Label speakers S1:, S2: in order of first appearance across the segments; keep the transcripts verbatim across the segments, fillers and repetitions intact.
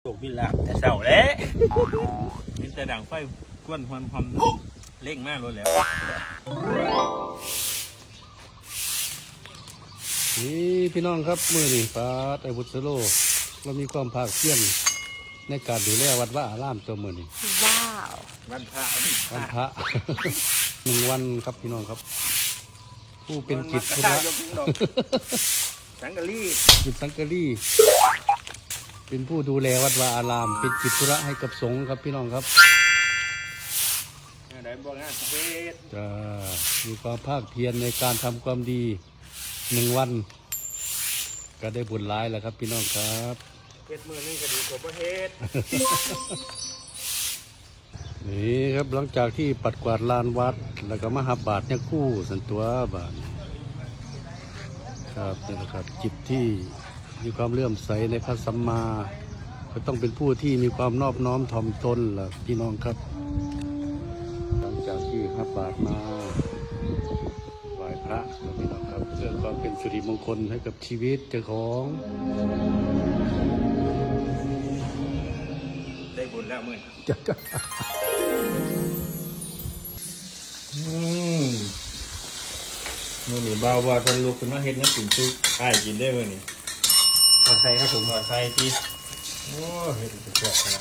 S1: ตกบินลาบแต่เสาแล้วกินแต่ด่างไฟก้วนความความเร่งมากเลยแล้ว
S2: นี่พี่น้องครับมือนี่ปาดไอบุตรโลเรามีความภาคเพียรในการดูแลวัดว่าอารามตัวมือนี่
S3: ว้าว
S1: วันพระ
S2: วันพระ หนึ่งวันครับพี่น้องครับ ผู้เป็นจิตธุระ
S1: สังกะรี
S2: จิตสังกะรีเป็นผู้ดูแลวัดวาอารามเป็นจิตธุระให้กับสงฆ์ครับพี่น้องครับ
S1: ได้บอกงานประเภท
S2: จะมีความภาคเพียรในการทำความดีหนึ่งวัน ก็ได้บุญร้ายแล้วครับพี่น้องครับ
S1: เฮ็ดมือนึงก็ดีกว่าประเภท
S2: นี่ครับหลังจากที่ปัดกวาดลานวัดแล้วก็มาหาบาทเนี่ยคู่สันตัวบาทครับนี่นะครับ จิตที่มีความเลื่อมใสในพระสัมมาก็ต้องเป็นผู้ที่มีความนอบน้อมถ่อมตนล่ะพี่น้องครับ หลังจากที่หาบาทมาไหว้พระแล้วพี่น้องครับเพื่อความเป็นสิริมงคลให้กับชีวิตเจ้าของ
S1: ได้บุญแล้วมืออืมมือนี่บ่าวว่าคนลุกขึ้นมาเฮ็ดน้ำกินซุปไอ้กินได้มือนี่ทอดไข่ครับผมทอดไข่ที่โอ้เฮ็ดเป็นตัวนะ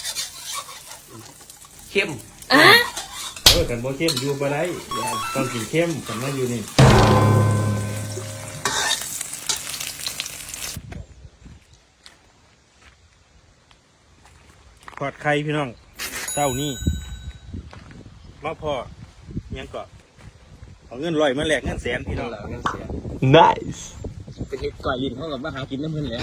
S1: เข้มเออกันบ่เข้มอยู่บ่ได้ต้องกินเข้มกันมาอยู่นี่ทอดไข่พี่น้องเต้านี่มาพอยังก็เอาเงินลอยมาแลกเงินแสนพี่น้องเงินแสน
S4: nice
S1: เป็นเห็ดก่อยยินเขากับมาหากินน้ำมันแล้ว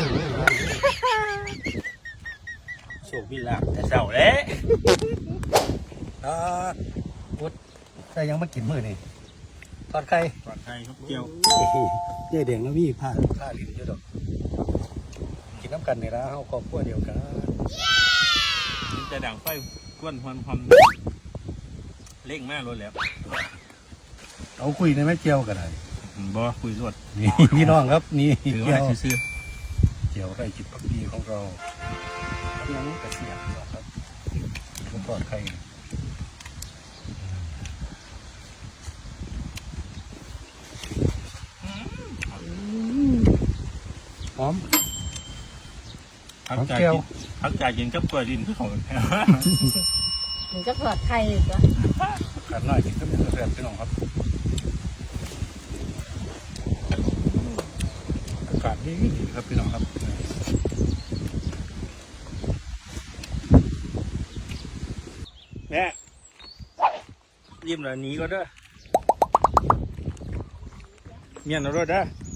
S1: โชคบินลาบแต่เสาแล้ว
S2: อ่าพุทธแต่ยังไม่กินมื้อนี่ทอดไข่
S1: ทอดไข่ครับเจียว
S2: เจ๊แดงแล้วมีผ้าผ้าลิ้นอยู่ดอกกินน้ำกันในร้านเขาครอบครัวเดียวกัน
S1: กินแต่ด่างไฟก้วนความความเร่งมากเลยแล้ว
S2: เอาคุยในแม่เจียวกันเลย
S1: บ่คุยรวด
S2: นี่พี่น้องครับนี่
S1: ถือ
S2: เจี
S1: ว่า
S2: ยว
S1: ซื้อ
S2: เจียวไร่จิตพักดีของเรายังกระเสียบหรอกครับก็ทอดไข่หอม
S1: พักจ่ายกินพักจ่ายกินกับกล้วยดินคือของแท้
S3: หนูจะเผือกไข่อีกเหรอ
S2: ขาดน้อยกินก็เป็นกระเทียมพี่น้องครับอากาศดีดีครับพี่น้องครับ
S1: แม่ยิ้มแล้วหนีก็เด้อเมียนเอาด้วยเด้อ